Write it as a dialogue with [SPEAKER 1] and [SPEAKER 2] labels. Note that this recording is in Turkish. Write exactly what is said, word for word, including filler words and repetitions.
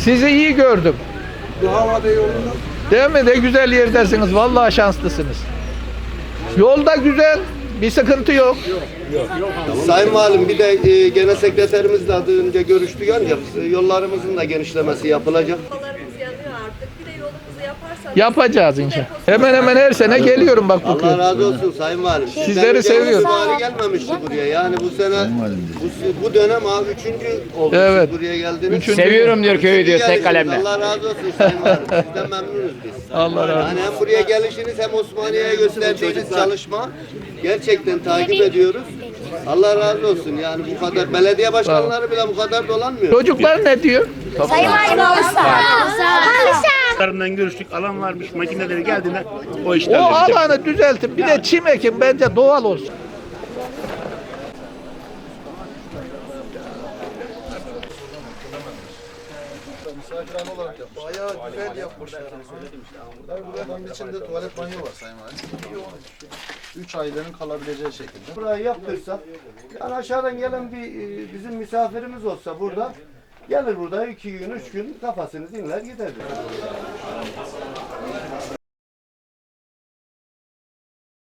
[SPEAKER 1] Sizi iyi gördüm.
[SPEAKER 2] Bu havada yolunda.
[SPEAKER 1] Değil mi? Ne güzel yerdesiniz. Vallahi şanslısınız. Yolda güzel. Bir sıkıntı yok.
[SPEAKER 3] Sayın Valim bir de e, genel sekreterimizle az önce görüştük ancak e, yollarımızın da genişlemesi yapılacak.
[SPEAKER 4] Yollarımız yanıyor artık. Bir de yolumuzu yaparsanız.
[SPEAKER 1] Yapacağız inşallah. Hemen hemen her sene geliyorum bak bu
[SPEAKER 3] Allah
[SPEAKER 1] köye.
[SPEAKER 3] razı olsun Sayın Valim.
[SPEAKER 1] Sizleri
[SPEAKER 3] Sizden
[SPEAKER 1] seviyorum.
[SPEAKER 3] önce vali gelmemişti buraya. Yani bu sene bu, bu dönem abi üçüncü oldu
[SPEAKER 1] Evet.
[SPEAKER 3] siz buraya geldiniz.
[SPEAKER 1] Üçüncü.
[SPEAKER 5] Seviyorum diyor köyü diyor tek kalemle.
[SPEAKER 3] Allah razı olsun Sayın Valim. Sizden memnunuz biz.
[SPEAKER 1] Allah razı olsun.
[SPEAKER 3] Yani hem buraya gelişiniz hem Osmaniye'ye gösterdiğiniz çalışma gerçekten takip ediyoruz. Allah razı olsun. Yani bu kadar belediye başkanları bile bu kadar dolanmıyor.
[SPEAKER 1] Çocuklar ne diyor?
[SPEAKER 6] Sayın Valim olursa.
[SPEAKER 7] Tarımdan görüştük, alan varmış, makineleri geldiğinde o
[SPEAKER 1] O
[SPEAKER 7] işler halledecek.
[SPEAKER 1] alanı düzeltip bir de çim ekin bence doğal olsun.
[SPEAKER 2] Misafirhane olarak yapmış. Bayağı güzel yapmışlar. Burada buranın içinde tuvalet banyo var Sayın Valim. Üç ailelerin kalabileceği şekilde.
[SPEAKER 3] Burayı yaptırsak, yani aşağıdan gelen bir e, bizim misafirimiz olsa burada gelir burada iki gün, üç gün kafasını dinler gider.